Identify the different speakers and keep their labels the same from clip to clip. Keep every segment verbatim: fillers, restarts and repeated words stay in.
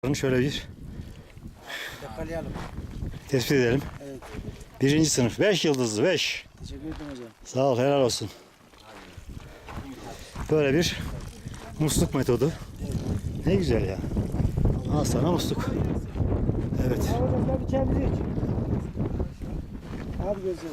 Speaker 1: Bakın şöyle bir
Speaker 2: Yakalayalım.
Speaker 1: tespit edelim.
Speaker 2: Evet.
Speaker 1: Birinci sınıf. Beş yıldızlı. Beş.
Speaker 2: Teşekkür ederim hocam.
Speaker 1: Sağ ol. Helal olsun. Böyle bir musluk metodu. Ne güzel ya. Al sana musluk. Evet.
Speaker 2: Ya hocam gel bir çayımızı iç. Hadi görüşürüz.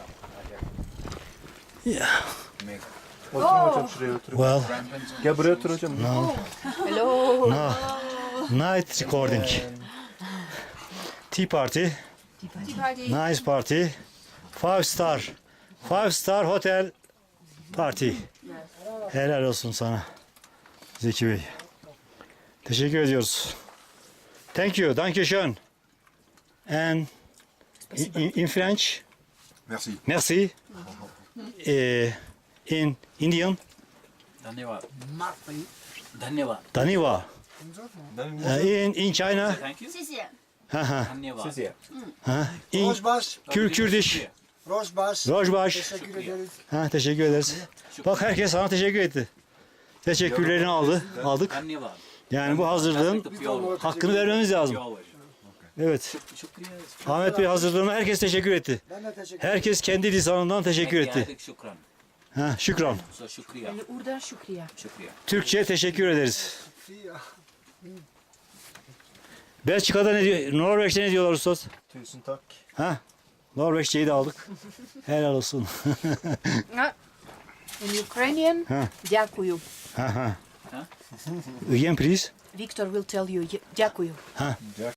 Speaker 1: Ya.
Speaker 3: Oturun hocam şuraya oturun.
Speaker 1: Well,
Speaker 3: Gel buraya otur hocam.
Speaker 1: no.
Speaker 4: Hello.
Speaker 1: No. Night recording. Tea party. Nice party. Five star. Five star hotel party. Helal olsun sana Zeki Bey. Teşekkür ediyoruz. Thank you. Danke schön. And in, in French,
Speaker 5: Merci.
Speaker 1: merci. Eh, in Indian,
Speaker 6: धन्यवाद धन्यवाद
Speaker 1: Daniwa. Eh, in, in China,
Speaker 4: 谢谢。
Speaker 1: ha ha.
Speaker 6: धन्यवाद
Speaker 3: Siz ya.
Speaker 1: Ha. In
Speaker 2: Rojbaş.
Speaker 1: Kür Kürdiş,
Speaker 2: Rojbaş.
Speaker 1: Rojbaş.
Speaker 2: Teşekkür ederiz.
Speaker 1: Ha, teşekkür ederiz. Bak herkes sana teşekkür etti. Teşekkürlerini aldı, aldık.
Speaker 6: धन्यवाद
Speaker 1: Yani bu hazırlığın hakkını vermemiz lazım. Evet.
Speaker 6: शुक्रिया
Speaker 1: Ahmet Bey hazırlığına herkes teşekkür etti.
Speaker 2: Ben de teşekkür ederim.
Speaker 1: Herkes kendi lisanından teşekkür etti.
Speaker 6: शुक्रान
Speaker 1: Ha, şükran.
Speaker 6: सो शुक्रिया
Speaker 4: Urda şükriye.
Speaker 6: शुक्रिया
Speaker 1: Türkçe teşekkür ederiz. Belçika'da ne diyor? Norveç'te ne diyorlar usta?
Speaker 3: Tusen takk.
Speaker 1: Ha? Norveççeyi de aldık. Helal olsun.
Speaker 4: In Ukrainian,
Speaker 1: Ha.
Speaker 4: дякую.
Speaker 1: Ha ha. Again please.
Speaker 4: Victor will tell you, дякую.